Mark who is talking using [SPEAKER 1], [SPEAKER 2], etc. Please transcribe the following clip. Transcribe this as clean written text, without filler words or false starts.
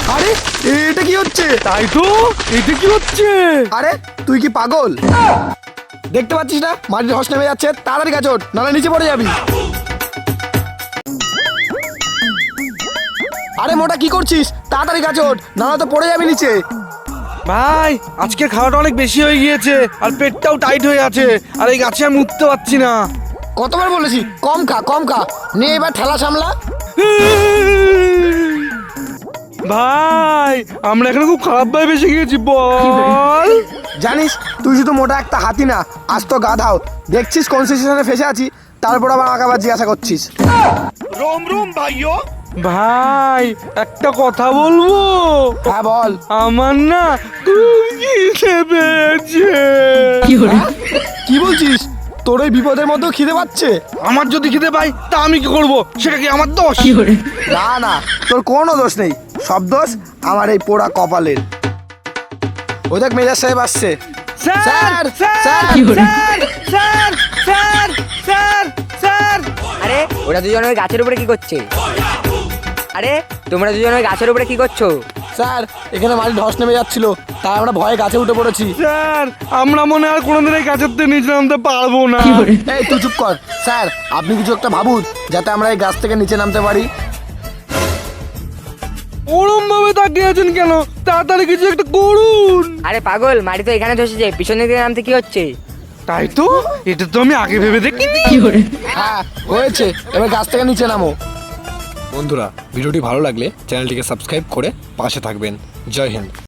[SPEAKER 1] আরে এটা কি হচ্ছে?
[SPEAKER 2] তাই তো, এটা কি হচ্ছে?
[SPEAKER 1] আরে তুই কি পাগল? দেখতে পাচ্ছিস না মাটির ধস নেমে যাচ্ছে? তাড়াতাড়ি গাছ ওঠ, নাহলে নিচে পড়ে যাবি। আরে মোটা কি করছিস? তাড়াতাড়ি গাছ ওঠ, নাহলে তো পড়ে যাবি নিচে।
[SPEAKER 2] ভাই আজকে খাওয়াটা অনেক বেশি হয়ে গিয়েছে, আর পেটটাও টাইট হয়ে আছে, আর এই গাছে আমি উঠতে পারছি না।
[SPEAKER 1] কতবার বলেছি কম খা কম খা, নিয়ে এবার ঠেলা সামলা।
[SPEAKER 2] ভাই আমরা এখানে খুব খারাপ ভাবে বেশি গিয়েছি, বল।
[SPEAKER 1] জানিস তুই শুধু মোটা একটা হাতি না, আজ তো গাধাও। দেখছিস কোন সিচুয়েশনে ফেসে আছি, তারপর আবার আমাকে আবার জিজ্ঞাসা করছিস।
[SPEAKER 2] রোম রোম ভাইও। ভাই একটা কথা বলবো?
[SPEAKER 1] হ্যাঁ বল।
[SPEAKER 2] আমার না খুব খিদে পেয়েছে।
[SPEAKER 1] কি বলছিস? তোর এই বিপদের মধ্যেও খিদে পাচ্ছে?
[SPEAKER 2] আমার যদি খিদে পাই তা আমি কি করব? সেটা কি আমার দোষ?
[SPEAKER 1] না না, তোর কোনো দোষ নেই, সব দোষ আমার এই পোড়া কপালের। ও দেখ মেজাজ সাহেব আসছে।
[SPEAKER 2] Sir
[SPEAKER 1] sir,
[SPEAKER 2] sir
[SPEAKER 1] sir,
[SPEAKER 2] sir sir sir sir sir.
[SPEAKER 3] আরে ওরা দুজন ওই গাছের উপরে কি করছে? আরে তোমরা দুজন ওই গাছের উপরে কি করছো?
[SPEAKER 1] স্যার এখানে মাটির ধস নেমে যাচ্ছিল, তাই আমরা ভয়ে গাছে উঠে পড়েছি।
[SPEAKER 2] স্যার আমরা মনে হয় আর কোনোদিন এই গাছের থেকে নিচে নামতে পারবো না।
[SPEAKER 1] এই তুই চুপ কর। স্যার আপনি কিছু একটা ভাবুন, যাতে আমরা এই গাছ থেকে নিচে নামতে পারি।
[SPEAKER 2] ওরম ভাবে তাকিয়ে আছেন কেন? তাড়াতাড়ি কিছু একটা করুন।
[SPEAKER 3] আরে পাগল, মাটি তো এখানে ধসেছে, পিছন দিকে নামতে কি হচ্ছে?
[SPEAKER 2] তাই তো, এটা তো আমি আগে ভেবে দেখিনি।
[SPEAKER 1] হ্যাঁ হয়েছে, এবার গাছ থেকে নিচে নামো। বন্ধুরা ভিডিওটি ভালো লাগলে চ্যানেলটিকে সাবস্ক্রাইব করে পাশে থাকবেন। জয় হিন্দ।